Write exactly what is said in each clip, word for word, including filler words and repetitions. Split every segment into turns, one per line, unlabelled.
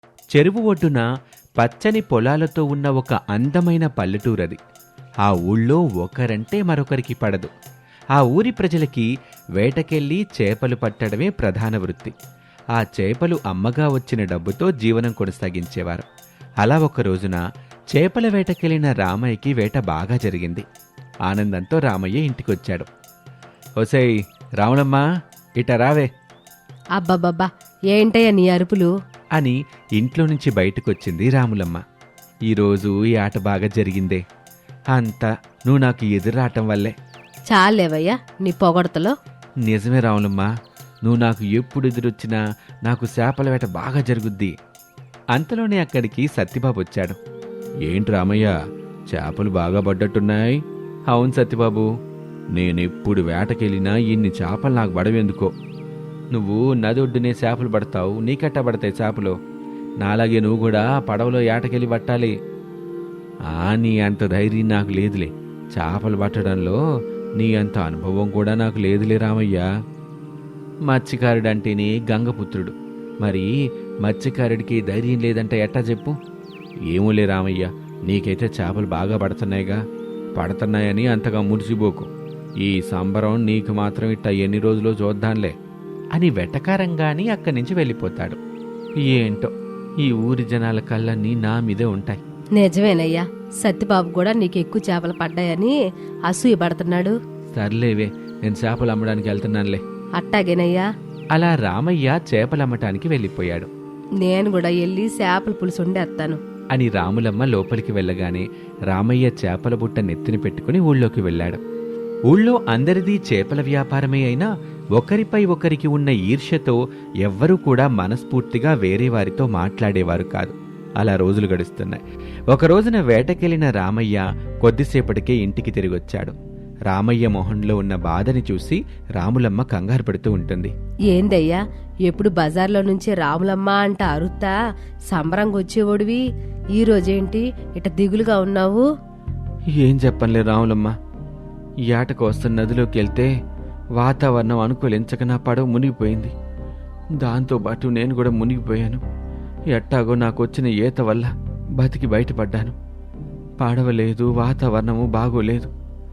చెరువు ఒడ్డున పచ్చని పొలాలతో ఉన్న ఒక అందమైన పల్లెటూరది. ఆ ఊళ్ళో ఒకరంటే మరొకరికి పడదు. ఆ ఊరి ప్రజలకి వేటకెళ్ళి చేపలు పట్టడమే ప్రధాన వృత్తి. ఆ చేపలు అమ్మగా వచ్చిన డబ్బుతో జీవనం కొనసాగించేవారు. అలా ఒక రోజున చేపల వేటకెళ్ళిన రామయ్యకి వేట బాగా జరిగింది. ఆనందంతో రామయ్య ఇంటికొచ్చాడు. ఒసేయ్ రాములమ్మా, ఇట రావే
అబ్బబ్బబ్బా, ఏంటయ్య నీ అరుపులు?
అని ఇంట్లో నుంచి బయటకొచ్చింది రాములమ్మ. ఈరోజు ఈ ఆట బాగా జరిగిందే, అంతా నువ్వు నాకు ఎదురాటం వల్లే.
చాలేవయ్యా నీ పొగడతలో.
నిజమే రాములమ్మ, నువ్వు నాకు ఎప్పుడు ఎదురొచ్చినా నాకు చేపల వేట బాగా జరుగుద్ది. అంతలోనే అక్కడికి సత్యబాబు వచ్చాడు. ఏంటి రామయ్య, చేపలు బాగా పడ్డట్టున్నాయి? అవును సత్యబాబు, నేనెప్పుడు వేటకెళ్ళినా ఇన్ని చేపలు నాకు పడవెందుకో. నువ్వు నది ఒడ్డునే చేపలు పడతావు, నీకెట్టా పడతాయి చేపలు? నాలాగే నువ్వు కూడా పడవలో ఏటకెళ్ళి పట్టాలి. ఆ నీ అంత ధైర్యం నాకు లేదులే. చేపలు పట్టడంలో నీ అంత అనుభవం కూడా నాకు లేదులే రామయ్య. మత్స్యకారుడంటేనే గంగపుత్రుడు, మరి మత్స్యకారుడికి ధైర్యం లేదంటే ఎట్టా చెప్పు? ఏమోలే రామయ్య, నీకైతే చేపలు బాగా పడుతున్నాయిగా. పడుతున్నాయని అంతగా మురిసిపోకు. ఈ సంబరం నీకు మాత్రం ఇట్ట ఎన్ని రోజులు చూద్దాంలే అని వెటకారంగాని అక్కడి నుంచి వెళ్ళిపోతాడు. ఏంటో ఈ ఊరి జనాల కళ్ళన్నీ నా మీదే ఉంటాయి.
నిజమేనయ్యా, సత్యబాబు కూడా నీకు ఎక్కువ చేపలు పడ్డాయని అసూయ పడుతున్నాడు.
సర్లేవే, నేను చేపలు అమ్మడానికి వెళ్తున్నానులే.
అట్టాగేనయ్యా.
అలా రామయ్య చేపలు అమ్మటానికి వెళ్ళిపోయాడు.
నేను కూడా వెళ్ళి చేపల పులుసు వండేస్తాను
అని రాములమ్మ లోపలికి వెళ్ళగానే రామయ్య చేపల బుట్ట నెత్తిన పెట్టుకుని ఊళ్ళోకి వెళ్ళాడు. ఊళ్ళో అందరిదీ చేపల వ్యాపారమే అయినా ఒకరిపై ఒకరికి ఉన్న ఈర్ష్యతో ఎవ్వరూ కూడా మనస్ఫూర్తిగా వేరే వారితో మాట్లాడేవారు కాదు. అలా రోజులు గడుస్తున్నాయి. ఒకరోజున వేటకెళ్లిన రామయ్య కొద్దిసేపటికే ఇంటికి తిరిగొచ్చాడు. రామయ్య మొహంలో ఉన్న బాధని చూసి రాములమ్మ కంగారు పడుతూ ఉంటుంది.
ఏందయ్యా, ఎప్పుడు బజార్లో నుంచి రాములమ్మ అంట అరుత్తా సంబరంగా వచ్చేవాడివి, ఈ రోజేంటి ఇట దిగులుగా ఉన్నావు?
ఏం చెప్పనులే రాములమ్మ, ఈ ఆటకు వస్తున్న నదిలోకి వెళ్తే వాతావరణం అనుకూలించక నా పడవ మునిగిపోయింది. దాంతోపాటు నేను కూడా మునిగిపోయాను. ఎట్టాగో నాకు వచ్చిన ఈత వల్ల బతికి బయటపడ్డాను. పడవ లేదు, వాతావరణము బాగోలేదు.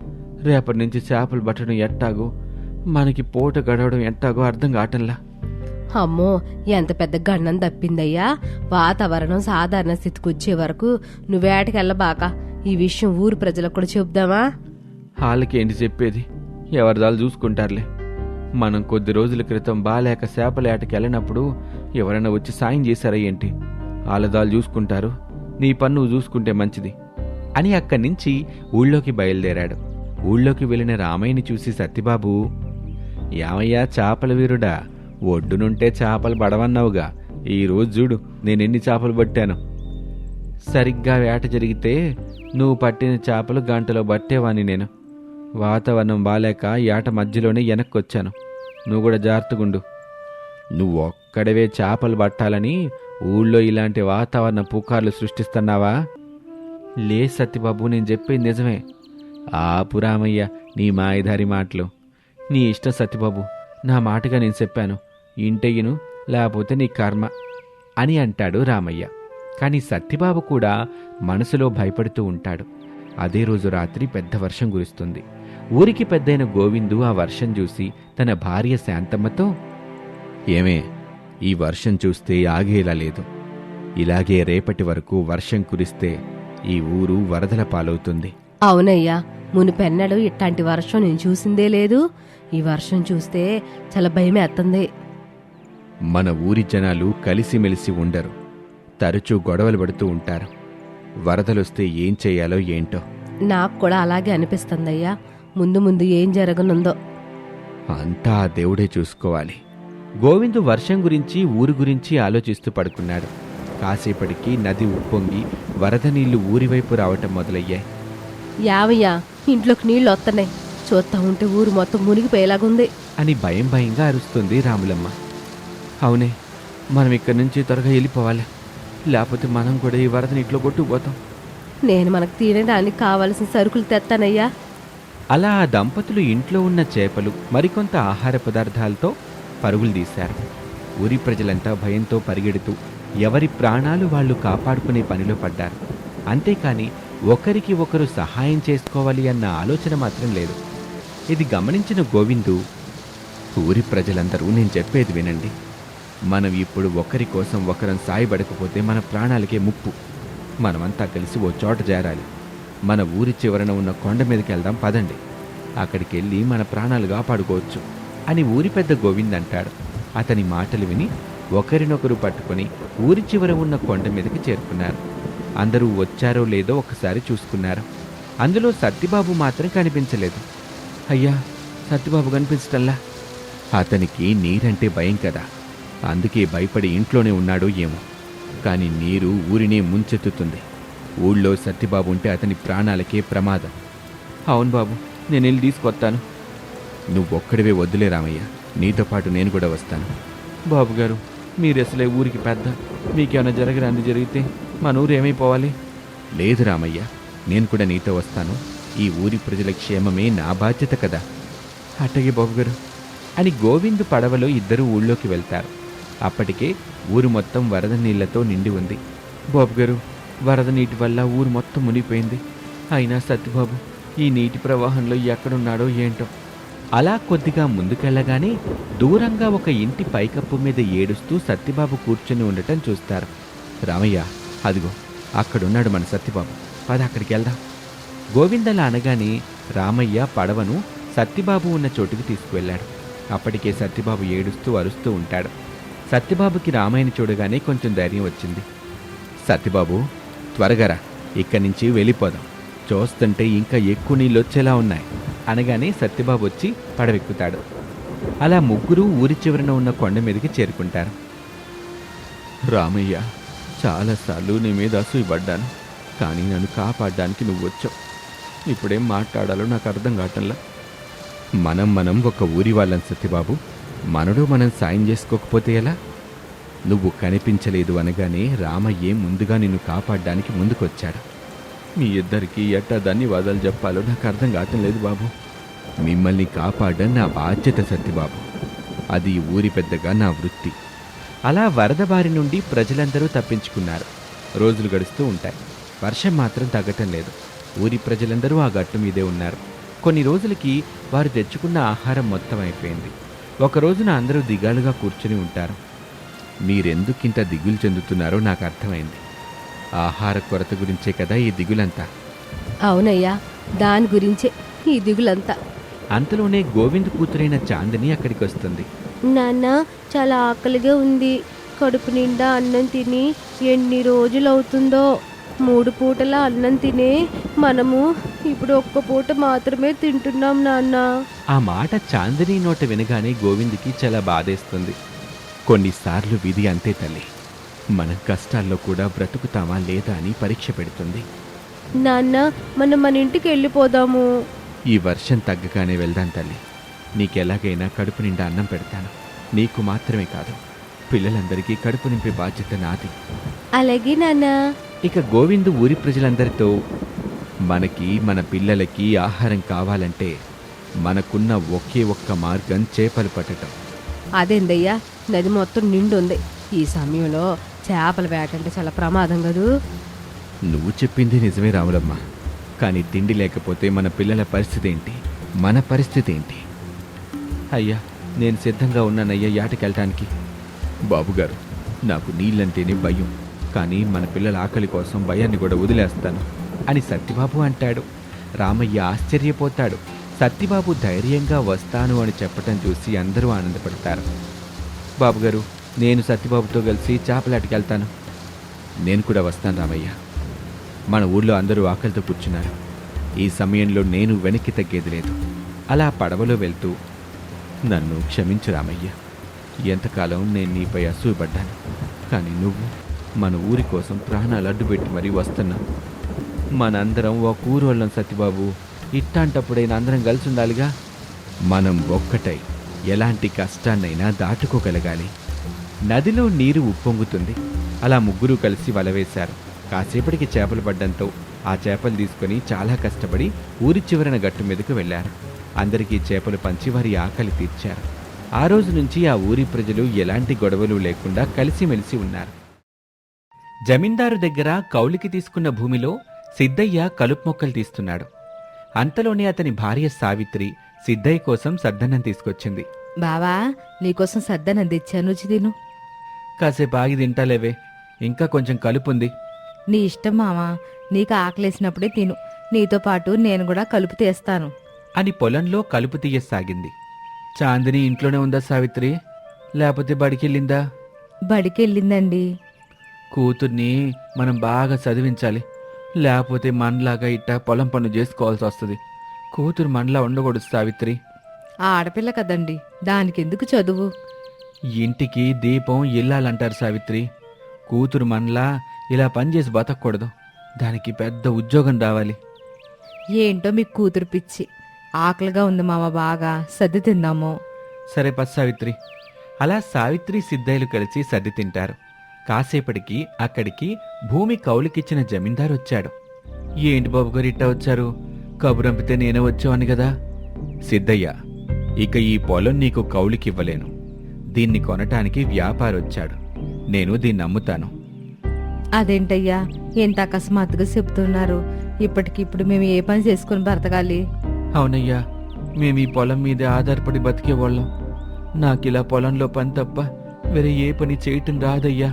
రేపటి నుంచి చేపలు పట్టడం ఎట్టాగో, మనకి పూట గడవడం ఎట్టాగో అర్థం కావటంలా.
అమ్మో, ఎంత పెద్ద గండం తప్పిందయ్యా. వాతావరణం సాధారణ స్థితికి వచ్చే వరకు నువ్వేటకెళ్ళబాక. ఈ విషయం ఊరు ప్రజలకు కూడా చెబుదామా?
వాళ్ళకేంటి చెప్పేది, ఎవరిదాలు చూసుకుంటారులే. మనం కొద్ది రోజుల క్రితం బాలేక చేపల ఏటకి వెళ్ళినప్పుడు ఎవరైనా వచ్చి సాయం చేశారా ఏంటి? వాళ్ళదాలు చూసుకుంటారు, నీ పన్ను చూసుకుంటే మంచిది అని అక్కడి నుంచి ఊళ్ళోకి బయలుదేరాడు. ఊళ్ళోకి వెళ్ళిన రామయ్యని చూసి సత్యబాబు, యామయ్యా చేపల వీరుడా, ఒడ్డునుంటే చేపలు పడవన్నావుగా, ఈరోజు చూడు నేనెన్ని చేపలు పట్టాను. సరిగ్గా వేట జరిగితే నువ్వు పట్టిన చేపలు గంటలో పట్టేవాని నేను. వాతావరణం బాలేక ఏట మధ్యలోనే వెనక్కొచ్చాను. నువ్వు కూడా జాగ్రత్తగుండు. నువ్వు ఒక్కడవే చేపలు పట్టాలని ఊళ్ళో ఇలాంటి వాతావరణ పుకార్లు సృష్టిస్తున్నావా? లే సత్యబాబు, నేను చెప్పేది నిజమే. ఆపు రామయ్య నీ మాయదారి మాటలు. నీ ఇష్టం సత్యబాబు, నా మాటగా నేను చెప్పాను. ఇంటెయ్యను, లేకపోతే నీ కర్మ అని అంటాడు రామయ్య. కానీ సత్యబాబు కూడా మనసులో భయపడుతూ ఉంటాడు. అదే రోజు రాత్రి పెద్ద వర్షం కురుస్తుంది. ఊరికి పెద్దయిన గోవిందు ఆ వర్షం చూసి తన భార్య శాంతమ్మతో, ఏమే, ఈ వర్షం చూస్తే ఆగేలా లేదు. ఇలాగే రేపటి వరకు వర్షం కురిస్తే ఈ ఊరు వరదల పాలవుతుంది.
అవునయ్యా, మునిపెన్నడు ఇట్లాంటి వర్షం నేను చూసిందే లేదు. ఈ వర్షం చూస్తే చాలా భయమేస్తుంది.
మన ఊరి జనాలు కలిసిమెలిసి ఉండరు, తరచూ గొడవలు పడుతూ ఉంటారు. వరదలొస్తే ఏం చెయ్యాలో ఏంటో.
నాకు కూడా అలాగే అనిపిస్తుందయ్యా. ముందు ముందు ఏం జరగనుందో
అంతా ఆ దేవుడే చూసుకోవాలి. గోవిందు వర్షం గురించి ఊరి గురించి ఆలోచిస్తూ పడుకున్నాడు. కాసేపటికి నది ఉప్పొంగి వరద నీళ్లు ఊరివైపు రావటం మొదలయ్యాయి.
యావయ్యా, ఇంట్లోకి నీళ్లు వస్తున్నాయి, చూస్తా ఉంటే ఊరు మొత్తం మునిగిపోయేలాగుంది
అని భయం భయంగా అరుస్తుంది రాములమ్మ. అవునే, మనం ఇక్కడి నుంచి త్వరగా వెళ్ళిపోవాలి, లేకపోతే మనం కూడా ఈ వరద నీటిలో కొట్టుకుపోతాం.
నేను మనకు తినడానికి కావలసిన సరుకులు తెస్తానయ్యా.
అలా ఆ దంపతులు ఇంట్లో ఉన్న చేపలు మరికొంత ఆహార పదార్థాలతో పరుగులు తీశారు. ఊరి ప్రజలంతా భయంతో పరిగెడుతూ ఎవరి ప్రాణాలు వాళ్ళు కాపాడుకునే పనిలో పడ్డారు. అంతేకాని ఒకరికి ఒకరు సహాయం చేసుకోవాలి అన్న ఆలోచన మాత్రం లేదు. ఇది గమనించిన గోవిందు, ఊరి ప్రజలందరూ నేను చెప్పేది వినండి. మనం ఇప్పుడు ఒకరి కోసం ఒకరం సాయపడకపోతే మన ప్రాణాలకే ముప్పు. మనమంతా కలిసి ఓ చోట చేరాలి. మన ఊరి చివరన ఉన్న కొండ మీదకి వెళ్దాం పదండి. అక్కడికి వెళ్ళి మన ప్రాణాలు కాపాడుకోవచ్చు అని ఊరి పెద్ద గోవింద్ అంటాడు. అతని మాటలు విని ఒకరినొకరు పట్టుకొని ఊరి చివర ఉన్న కొండ మీదకి చేరుకున్నారు. అందరూ వచ్చారో లేదో ఒకసారి చూసుకున్నారు. అందులో సత్తిబాబు మాత్రం కనిపించలేదు. అయ్యా, సత్తిబాబు కనిపించటల్లా. అతనికి నీరంటే భయం కదా, అందుకే భయపడి ఇంట్లోనే ఉన్నాడో ఏమో. కానీ నీరు ఊరినే ముంచెత్తుతుంది. ఊళ్ళో సత్తిబాబు ఉంటే అతని ప్రాణాలకే ప్రమాదం. అవును బాబు, నేను వెళ్ళి తీసుకొస్తాను. నువ్వొక్కడివే వద్దులే రామయ్య, నీతో పాటు నేను కూడా వస్తాను. బాబుగారు, మీరు అసలే ఊరికి పెద్ద, మీకేమైనా జరగరాంది జరిగితే మన ఊరు ఏమైపోవాలి? లేదు రామయ్య, నేను కూడా నీతో వస్తాను. ఈ ఊరి ప్రజల క్షేమమే నా బాధ్యత కదా. అట్టగే బాబుగారు అని గోవింద్ పడవలో ఇద్దరూ ఊళ్ళోకి వెళ్తారు. అప్పటికే ఊరు మొత్తం వరద నీళ్లతో నిండి ఉంది. బాబుగారు, వరద నీటి వల్ల ఊరు మొత్తం మునిగిపోయింది. అయినా సత్యబాబు ఈ నీటి ప్రవాహంలో ఎక్కడున్నాడో ఏంటో. అలా కొద్దిగా ముందుకెళ్ళగానే దూరంగా ఒక ఇంటి పైకప్పు మీద ఏడుస్తూ సత్యబాబు కూర్చుని ఉండటం చూస్తారు. రామయ్య, అదిగో అక్కడున్నాడు మన సత్యబాబు, పద అక్కడికి వెళ్దాం. గోవిందలా అనగానే రామయ్య పడవను సత్యబాబు ఉన్న చోటుకి తీసుకువెళ్ళాడు. అప్పటికే సత్యబాబు ఏడుస్తూ అరుస్తూ ఉంటాడు. సత్యబాబుకి రామయ్యని చూడగానే కొంచెం ధైర్యం వచ్చింది. సత్యబాబు, త్వరగా రా, ఇక్కడి నుంచి వెళ్ళిపోదాం. చూస్తుంటే ఇంకా ఎక్కువ నీళ్ళు వచ్చేలా ఉన్నాయి అనగానే సత్యబాబు వచ్చి పడవెక్కుతాడు. అలా ముగ్గురు ఊరి చివరన ఉన్న కొండ మీదకి చేరుకుంటారు. రామయ్య, చాలాసార్లు నీ మీద అసూయపడ్డాను, కానీ నన్ను కాపాడడానికి నువ్వు వచ్చావు. ఇప్పుడేం మాట్లాడాలో నాకు అర్థం కావటంలా. మనం మనం ఒక ఊరి వాళ్ళం సత్యబాబు, మనడు మనం సాయం చేసుకోకపోతే ఎలా? నువ్వు కనిపించలేదు అనగానే రామయ్యే ముందుగా నిన్ను కాపాడడానికి ముందుకొచ్చాడు. మీ ఇద్దరికీ ఎట్టా ధన్యవాదాలు చెప్పాలో నాకు అర్థం కావటం లేదు బాబు. మిమ్మల్ని కాపాడడం నా బాధ్యత సత్యబాబు, అది ఊరి పెద్దగా నా వృత్తి. అలా వరద బారి నుండి ప్రజలందరూ తప్పించుకున్నారు. రోజులు గడుస్తూ ఉంటాయి. వర్షం మాత్రం తగ్గటం లేదు. ఊరి ప్రజలందరూ ఆ గట్టు మీదే ఉన్నారు. కొన్ని రోజులకి వారు తెచ్చుకున్న ఆహారం మొత్తం అయిపోయింది. ఒక రోజున అందరూ దిగాలుగా కూర్చుని ఉంటారు. మీరెందుకింత దిగులు చెందుతున్నారో నాకు అర్థమైంది. ఆహార కొరత గురించే కదా ఈ దిగులంతా.
అవునయ్యా, దాని గురించే ఈ దిగులంతా.
అంతలోనే గోవింద్ కూతురైన చాందిని అక్కడికి వస్తుంది.
నాన్న, చాలా ఆకలిగా ఉంది. కడుపు నిండా అన్నం తిని ఎన్ని రోజులవుతుందో. మూడు పూటల అన్నం తినే మనము ఇప్పుడు ఒక్క పూట మాత్రమే తింటున్నాం నాన్న.
ఆ మాట చాందిని నోట వినగానే గోవింద్కి చాలా బాధేస్తుంది. కొన్నిసార్లు విధి అంతే తల్లి, మనం కష్టాల్లో కూడా బ్రతుకుతామా లేదా అని పరీక్ష పెడుతుంది.
నాన్న, మనం మన ఇంటికి వెళ్ళిపోదాము.
ఈ వర్షం తగ్గగానే వెళ్దాం తల్లి. నీకెలాగైనా కడుపు నిండా అన్నం పెడతాను. నీకు మాత్రమే కాదు, పిల్లలందరికీ కడుపు నింపే బాధ్యత నాది.
అలాగే నాన్న.
ఇక గోవిందు ఊరి ప్రజలందరితో, మనకి మన పిల్లలకి ఆహారం కావాలంటే మనకున్న ఒకే ఒక్క మార్గం చేపలు పట్టడం.
అదేందయ్యా, నది మొత్తం నిండుంది. ఈ సమయంలో చేపల వేట అంటే చాలా ప్రమాదం కదూ.
నువ్వు చెప్పింది నిజమే రాములమ్మ, కానీ తిండి లేకపోతే మన పిల్లల పరిస్థితి ఏంటి, మన పరిస్థితి ఏంటి? అయ్యా, నేను సిద్ధంగా ఉన్నానయ్యా యాటకెళ్ళటానికి. బాబుగారు, నాకు నీళ్ళంటేనే భయం, కానీ మన పిల్లల ఆకలి కోసం భయాన్ని కూడా వదిలేస్తాను అని సత్యబాబు అంటాడు. రామయ్య ఆశ్చర్యపోతాడు. సత్యబాబు ధైర్యంగా వస్తాను అని చెప్పటం చూసి అందరూ ఆనందపడతారు. బాబుగారు, నేను సత్యబాబుతో కలిసి చేపలాటికి వెళ్తాను. నేను కూడా వస్తాను రామయ్య. మన ఊళ్ళో అందరూ ఆకలితో కూర్చున్నారు. ఈ సమయంలో నేను వెనక్కి తగ్గేది లేదు. అలా పడవలో వెళ్తూ, నన్ను క్షమించు రామయ్య, ఎంతకాలం నేను నీపై అసూయపడ్డాను, కానీ నువ్వు మన ఊరి కోసం ప్రాణాలు అడ్డుపెట్టి మరీ వస్తున్నావు. మనందరం ఒక ఊరు వాళ్ళం సత్యబాబు, ఇట్టాంటప్పుడైనా అందరం కలిసి ఉండాలిగా. మనం ఒక్కటై ఎలాంటి కష్టాన్నైనా దాటుకోగలగాలి. నదిలో నీరు ఉప్పొంగుతుంది. అలా ముగ్గురు కలిసి వలవేశారు. కాసేపటికి చేపలు పడ్డంతో ఆ చేపలు తీసుకొని చాలా కష్టపడి ఊరి చివరన గట్టు మీదకు వెళ్లారు. అందరికీ చేపలు పంచి వారి ఆకలి తీర్చారు. ఆ రోజు నుంచి ఆ ఊరి ప్రజలు ఎలాంటి గొడవలు లేకుండా కలిసిమెలిసి ఉన్నారు. జమీందారు దగ్గర కౌలికి తీసుకున్న భూమిలో సిద్ధయ్య కలుపు మొక్కలు తీస్తున్నాడు. అంతలోనే అతని భార్య సావిత్రి సిద్ధయ్య కోసం సద్దన్నం తీసుకొచ్చింది.
బావా, నీకోసం సద్దన్నం తెచ్చాను, రుచి తిను.
కాసేపు ఆగి తింటాలేవే, ఇంకా కొంచెం కలుపుంది.
నీ ఇష్టం మావా, నీకు ఆకలేసినప్పుడే తిను. నీతో పాటు నేను కూడా కలుపు తీస్తాను
అని పొలంలో కలుపు తీయసాగింది. చాందిని ఇంట్లోనే ఉందా సావిత్రి, లేకపోతే బడికెళ్ళిందా?
బడికెళ్ళిందండి.
కూతుర్ని మనం బాగా చదివించాలి, లేకపోతే మనలాగా ఇట్టా పొలం పనులు చేసుకోవాల్సి వస్తుంది. కూతురు మనలా ఉండకూడదు సావిత్రి.
ఆ ఆడపిల్ల కదండి, దానికెందుకు చదువు?
ఇంటికి దీపం ఇల్లాలంటారు సావిత్రి. కూతురు మనలా ఇలా పనిచేసి బతకూడదు, దానికి పెద్ద ఉద్యోగం రావాలి.
ఏంటో మీకు కూతురు పిచ్చి. ఆకలిగా ఉంది మామ, బాగా సర్ది తిందాము.
సరే పస్ సావిత్రి. అలా సావిత్రి సిద్ధయ్యలు కలిసి సర్ది తింటారు. కాసేపటికి అక్కడికి భూమి కౌలుకిచ్చిన జమీందారు వచ్చాడు. ఏంటి బాబు గారు ఇట్టా వచ్చారు? కబురంపితే నేనే వచ్చేవాన్ని కదా. సిద్ధయ్య, ఇక ఈ పొలం నీకు కౌలుకివ్వలేను. దీన్ని కొనటానికి వ్యాపారొచ్చాడు. నేను దీన్ని అమ్ముతాను.
అదేంటయ్యా, ఎంత అకస్మాత్తుగా చెప్తున్నారు? ఇప్పటికిప్పుడు మేము ఏ పని చేసుకుని బ్రతకాలి?
అవునయ్యా, మేము ఈ పొలం మీదే ఆధారపడి బతికేవాళ్ళం. నాకిలా పొలంలో పని తప్ప వేరే ఏ పని చేయటం రాదయ్యా.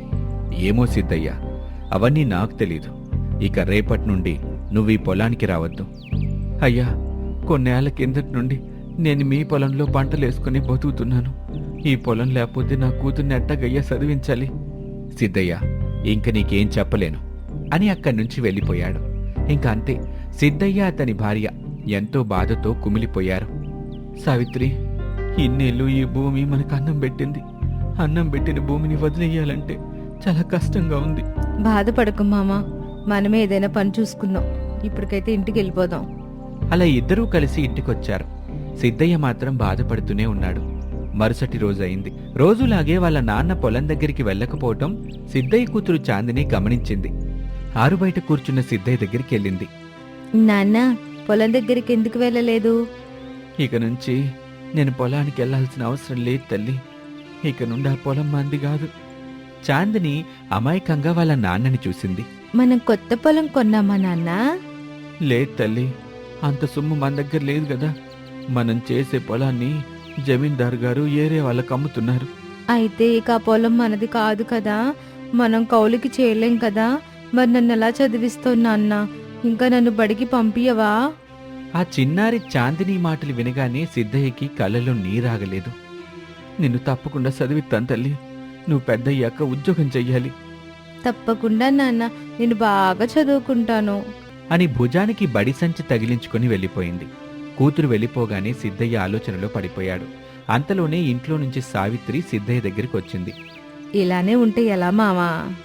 ఏమో సిద్ధయ్యా, అవన్నీ నాకు తెలీదు. ఇక రేపటి నుండి నువ్వు ఈ పొలానికి రావద్దు. అయ్యా, కొన్నేళ్ల కిందటి నుండి నేను మీ పొలంలో పంటలేసుకుని బతుకుతున్నాను. ఈ పొలం లేకపోతే నా కూతుర్ని ఎట్టగయ్యా చదివించాలి. సిద్ధయ్య, ఇంక నీకేం చెప్పలేను అని అక్కడి నుంచి వెళ్ళిపోయాడు. ఇంక అంతే, సిద్ధయ్య అతని భార్య ఎంతో బాధతో కుమిలిపోయారు. సావిత్రి, ఇన్నేళ్ళు ఈ భూమి మనకు అన్నం పెట్టింది. అన్నం పెట్టిన భూమిని వదిలేయాలంటే చాలా కష్టంగా ఉంది.
బాధపడకు మామ, మనమే ఏదైనా పని చూసుకుందాం. ఇప్పటికైతే ఇంటికి వెళ్ళిపోదాం.
అలా ఇద్దరూ కలిసి ఇంటికొచ్చారు. సిద్ధయ్య మాత్రం బాధపడుతూనే ఉన్నాడు. మరుసటి రోజు అయింది. రోజులాగే వాళ్ళ నాన్న పొలం దగ్గరికి వెళ్ళకపోవటం సిద్ధయ్య కూతురు చాందిని గమనించింది. ఆరుబయట కూర్చున్న సిద్ధయ్య దగ్గరికి వెళ్ళింది.
నాన్న, పొలం దగ్గరికి ఎందుకు వెళ్ళలేదు?
ఇక నుంచి నేను పొలానికి వెళ్లాల్సిన అవసరం లేదు తల్లి. ఇక నుండి ఆ పొలం మంది కాదు. చాందిని అమాయకంగా వాళ్ళ నాన్నని చూసింది.
మనం కొత్త పొలం కొన్నామా నాన్న?
లేదు తల్లి, అంత సొమ్ము మన దగ్గర లేదు కదా. మనం చేసే పొలాన్ని జమీందారు గారు ఏరే వాళ్ళకు అమ్ముతున్నారు.
అయితే ఇక ఆ పొలం మనది కాదు కదా, మనం కౌలుకి చేయలేం కదా. మరి నన్ను ఎలా చదివిస్తావు నాన్న? ఇంకా నన్ను బడికి పంపియవా?
ఆ చిన్నారి చాందిని మాటలు వినగానే సిద్ధయ్యకి కళ్ళలో నీరాగలేదు. నిన్ను తప్పకుండా చదివిస్తాను తల్లి. నువ్వు పెద్దయ్యాక ఉద్యోగం చెయ్యాలి.
తప్పకుండా నాన్న, నేను బాగా చదువుకుంటాను
అని భుజానికి బడి సంచి తగిలించుకుని వెళ్ళిపోయింది. కూతురు వెళ్ళిపోగానే సిద్ధయ్య ఆలోచనలో పడిపోయాడు. అంతలోనే ఇంట్లో నుంచి సావిత్రి సిద్ధయ్య దగ్గరికి వచ్చింది.
ఇలానే ఉంటే ఎలా మావా?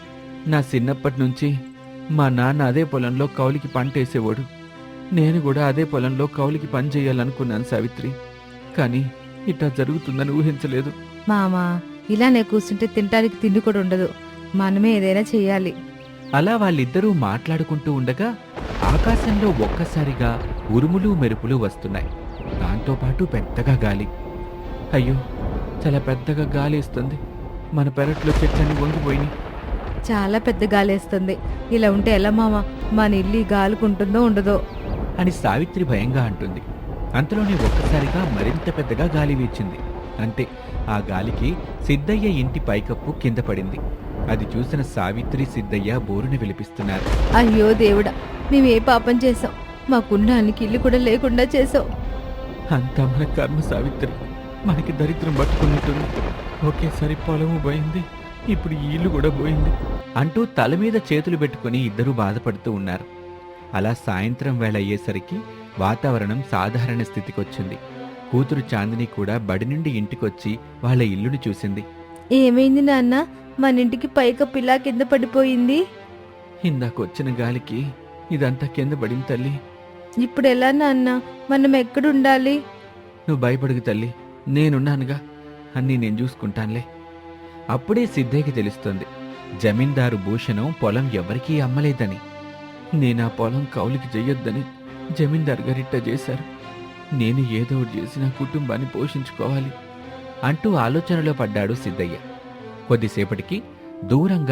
నా చిన్నప్పటి నుంచి మా నాన్న అదే పొలంలో కౌలికి పంట వేసేవాడు. నేను కూడా అదే పొలంలో కౌలికి పని చేయాలనుకున్నాను సావిత్రి. కానీ ఇట్లా జరుగుతుందని ఊహించలేదు.
మామా, ఇలానే కూర్చుంటే తినడానికి తిండి కూడా ఉండదు. మనమే ఏదైనా చెయ్యాలి.
అలా వాళ్ళిద్దరూ మాట్లాడుకుంటూ ఉండగా ఆకాశంలో ఒక్కసారిగా ఉరుములు మెరుపులు వస్తున్నాయి. దాంతోపాటు పెద్దగా గాలి. అయ్యో, చాలా పెద్దగా గాలి ఇస్తుంది. మన పెరట్లో చెట్లన్నీ వంగిపోయినాయి.
చాలా పెద్ద గాలేస్తుంది. ఇలా ఉంటే ఎలా మామ? మన ఇల్లు గాలుకుంటుందో ఉండదో
అని సావిత్రి భయంగా అంటుంది. అంతలోనే ఒక్కసారిగా మరింత పెద్దగా గాలి వీచింది. అంతే, ఆ గాలికి సిద్ధయ్య ఇంటి పైకప్పు కింద పడింది. అది చూసిన సావిత్రి సిద్ధయ్య బోరుని విలిపిస్తున్నారు.
అయ్యో దేవుడా, మేమే పాపం చేసాం. మాకున్నానికి ఇల్లు కూడా లేకుండా చేసాం.
అంతా మన కర్మ సావిత్రి. మనకి దరిద్రం పట్టుకున్నట్టుంది. ఒకేసారి పొలము పోయింది, ఇప్పుడు ఈ ఇల్లు కూడా పోయింది అంటూ తల మీద చేతులు పెట్టుకుని ఇద్దరూ బాధపడుతూ ఉన్నారు. అలా సాయంత్రం వేళ అయ్యేసరికి వాతావరణం సాధారణ స్థితికొచ్చింది. కూతురు చాందిని కూడా బడి నుండి ఇంటికొచ్చి వాళ్ళ ఇల్లుని చూసింది.
ఏమైంది నాన్న? మన ఇంటికి పైకప్పు ఇలా కింద పడిపోయింది.
ఇందాకొచ్చిన గాలికి ఇదంతా కింద పడింది తల్లి.
ఇప్పుడు ఎలా నాన్న? మనం ఎక్కడుండాలి?
నువ్వు భయపడుగు తల్లి, నేనున్నానుగా. అన్నీ నేను చూసుకుంటానులే. అప్పుడే సిద్ధయ్యకి తెలుస్తుంది, జమీందారు భూషణం పొలం ఎవరికీ అమ్మలేదని. నేను ఆ పొలం కౌలికి చెయ్యొద్దని జమీందారు గారిట్ట చేశారు. నేను ఏదో ఒకటి చేసి నా కుటుంబాన్ని పోషించుకోవాలి అంటూ ఆలోచనలో పడ్డాడు సిద్ధయ్య. కొద్దిసేపటికి దూరంగా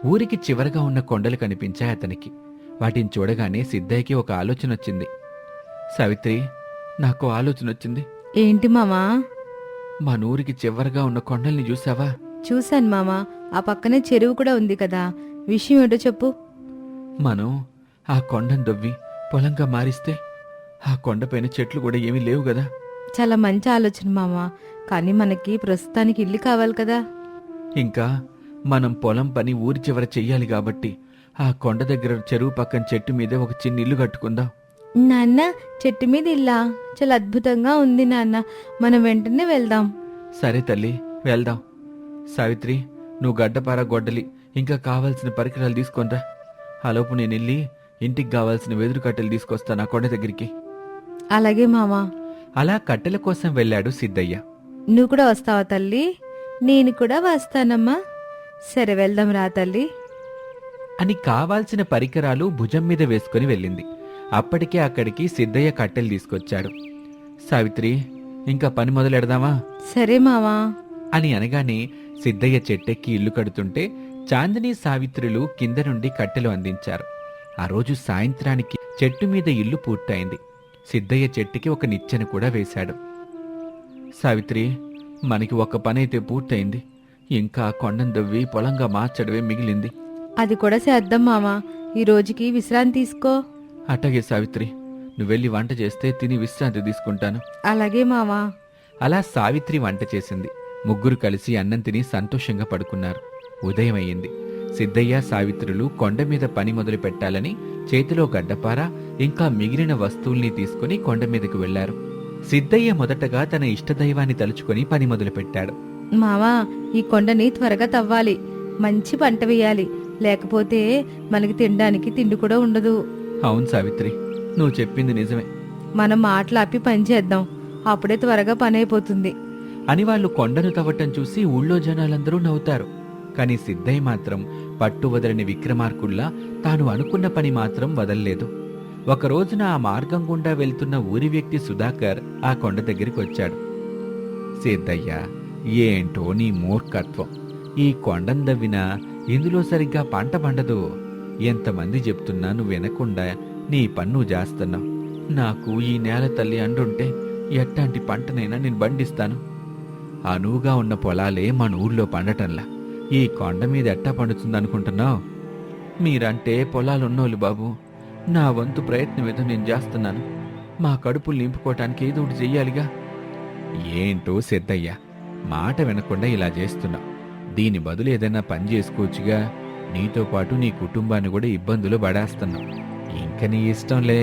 ఊరికి చివరగా ఉన్న కొండలు కనిపించాయి అతనికి. వాటిని చూడగానే సిద్ధయ్యకి ఒక ఆలోచన వచ్చింది. సావిత్రి, నాకు ఆలోచన వచ్చింది.
ఏంటి మామా?
మన ఊరికి చివరగా ఉన్న కొండల్ని చూసావా?
చూశాను మామా. ఆ పక్కనే చెరువు కూడా ఉంది కదా. విషయం ఏంటో చెప్పు.
మనం ఆ కొండను దొవ్వి పొలంగా మారిస్తే ఆ కొండపైన చెట్లు కూడా ఏమీ లేవు కదా.
చాలా మంచి ఆలోచన మామా. కానీ మనకి ప్రస్తుతానికి ఇల్లు కావాలి కదా.
ఇంకా మనం పొలం పని ఊరి చివర చెయ్యాలి కాబట్టి ఆ కొండ దగ్గర చెరువు పక్కన చెట్టు మీదే ఒక చిన్న ఇల్లు కట్టుకుందాం.
నాన్న, చెట్టు మీద ఇల్లా? చాలా అద్భుతంగా ఉంది నాన్న. మనం వెంటనే వెళ్దాం.
సరే తల్లి, వెళ్దాం. సావిత్రి, నువ్వు గడ్డపార గొడ్డలి ఇంకా కావాల్సిన పరికరాలు తీసుకొనిరా. ఆలోపు నేను వెళ్ళి ఇంటికి కావాల్సిన వెదురు కట్టెలు తీసుకొస్తాను ఆ కొండ దగ్గరికి.
అలాగే మామా.
అలా కట్టెల కోసం వెళ్ళాడు సిద్ధయ్య.
నువ్వు కూడా వస్తావా తల్లి? నేను కూడా వస్తానమ్మా. సరే, వెళ్దాం రా తల్లి
అని కావాల్సిన పరికరాలు భుజం మీద వేసుకుని వెళ్ళింది. అప్పటికే అక్కడికి సిద్ధయ్య కట్టెలు తీసుకొచ్చాడు. సావిత్రి, ఇంకా పని మొదలెడదామా
సరే మామా
అని అనగానే సిద్ధయ్య చెట్టెక్కి ఇల్లు కడుతుంటే చాందిని, సావిత్రులు కింద నుండి కట్టెలు అందించారు. ఆ రోజు సాయంత్రానికి చెట్టు మీద ఇల్లు పూర్తయింది. సిద్ధయ్య చెట్టుకి ఒక నిచ్చెన కూడా వేశాడు. సావిత్రి, మనకి ఒక పనైతే పూర్తయింది. ఇంకా కొండను దవ్వి పొలంగా మార్చడమే మిగిలింది.
అది కూడా చేద్దాం మామా. ఈ రోజుకి విశ్రాంతి తీసుకో.
అట్టగే సావిత్రి, నువ్వెళ్ళి వంట చేస్తే తిని విశ్రాంతి తీసుకుంటాను.
అలాగే మామా.
అలా సావిత్రి వంట చేసింది. ముగ్గురు కలిసి అన్నం తిని సంతోషంగా పడుకున్నారు. ఉదయం అయ్యింది. సిద్ధయ్య, సావిత్రులు కొండ మీద పని మొదలు పెట్టాలని చేతిలో గడ్డపార ఇంకా మిగిలిన వస్తువుల్ని తీసుకుని కొండ మీదకు వెళ్లారు. సిద్ధయ్య మొదటగా తన ఇష్టదైవాన్ని తలుచుకొని పని మొదలు పెట్టాడు.
మామా, ఈ కొండని త్వరగా తవ్వాలి. మంచి పంట వేయాలి. లేకపోతే మనకి తినడానికి తిండి కూడా ఉండదు.
అవును సావిత్రి, నువ్వు చెప్పింది నిజమే.
మనం మాటలు ఆపి పని చేద్దాం. అప్పుడే త్వరగా పని అయిపోతుంది
అని వాళ్ళు కొండను తవ్వటం చూసి ఊళ్ళో జనాలందరూ నవ్వుతారు. కాని సిద్ధయ్య మాత్రం పట్టు వదలని విక్రమార్కుల్లా తాను అనుకున్న పని మాత్రం వదల్లేదు. ఒక రోజున ఆ మార్గం గుండా వెళ్తున్న ఊరి వ్యక్తి సుధాకర్ ఆ కొండ దగ్గరికి వచ్చాడు. సిద్ధయ్య, ఏంటో నీ మూర్ఖత్వం. ఈ కొండను దవ్వినా ఇందులో సరిగ్గా పంట పండదు. ఎంతమంది చెప్తున్నా నువ్వు వినకుండా నీ పన్ను చేస్తున్నావు. నాకు ఈ నేల తల్లి అండుంటే ఎట్టాంటి పంటనైనా నేను పండిస్తాను. అనువుగా ఉన్న పొలాలే మన ఊర్లో పండటంలా ఈ కొండ మీద ఎట్టా పండుతుందనుకుంటున్నావు? మీరంటే పొలాలున్నోళ్ళు బాబు. నా వంతు ప్రయత్నం ఏదో నేను చేస్తున్నాను. మా కడుపులు నింపుకోవటానికి ఏదో ఒకటి చెయ్యాలిగా. ఏంటో సిద్ధయ్య, మాట వినకుండా ఇలా చేస్తున్నావు. దీని బదులు ఏదైనా పని చేసుకోవచ్చుగా. నీతో పాటు నీ కుటుంబాన్ని కూడా ఇబ్బందులు పడేస్తున్నావు. ఇంక నీ ఇష్టంలే.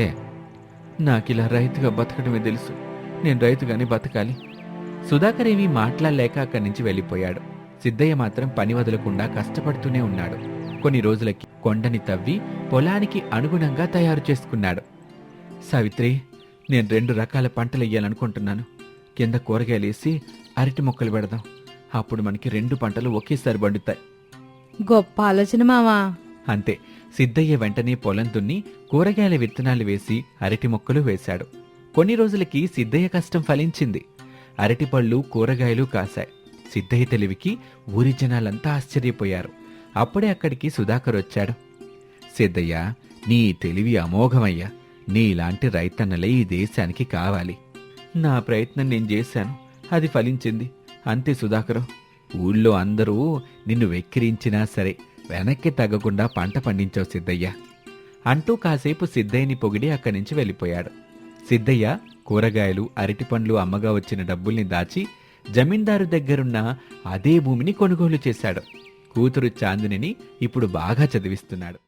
నాకిలా రైతుగా బతకడమే తెలుసు. నేను రైతుగానే బతకాలి. సుధాకర్ ఏమీ మాట్లాడలేక అక్కడి నుంచి వెళ్ళిపోయాడు. సిద్ధయ్య మాత్రం పని వదలకుండా కష్టపడుతూనే ఉన్నాడు. కొన్ని రోజులకి కొండని తవ్వి పొలానికి అనుగుణంగా తయారు చేసుకున్నాడు. సావిత్రి, నేను రెండు రకాల పంటలు వేయాలనుకుంటున్నాను. కింద కూరగాయలేసి అరటి మొక్కలు పెడదాం. అప్పుడు మనకి రెండు పంటలు ఒకేసారి పండుతాయి.
గొప్ప ఆలోచన మామా.
అంతే. సిద్ధయ్య వెంటనే పొలం దున్ని కూరగాయల విత్తనాలు వేసి అరటి మొక్కలు వేశాడు. కొన్ని రోజులకి సిద్ధయ్య కష్టం ఫలించింది. అరటిపళ్ళు, కూరగాయలు కాశాయి. సిద్ధయ్య తెలివికి ఊరి జనాలంతా ఆశ్చర్యపోయారు. అప్పుడే అక్కడికి సుధాకర్ వచ్చాడు. సిద్ధయ్య, నీ తెలివి అమోఘమయ్యా. నీలాంటి రైతన్నలే ఈ దేశానికి కావాలి. నా ప్రయత్నం నేను చేశాను, అది ఫలించింది. అంతే సుధాకరు. ఊళ్ళో అందరూ నిన్ను వెక్కిరించినా సరే వెనక్కి తగ్గకుండా పంట పండించావు సిద్ధయ్య అంటూ కాసేపు సిద్ధయ్యని పొగిడి అక్కడి నుంచి వెళ్ళిపోయాడు. సిద్ధయ్య కూరగాయలు, అరటిపండ్లు అమ్మగా వచ్చిన డబ్బుల్ని దాచి జమీందారు దగ్గరున్న అదే భూమిని కొనుగోలు చేశాడు. కూతురు చాందినిని ఇప్పుడు బాగా చదివిస్తున్నాడు.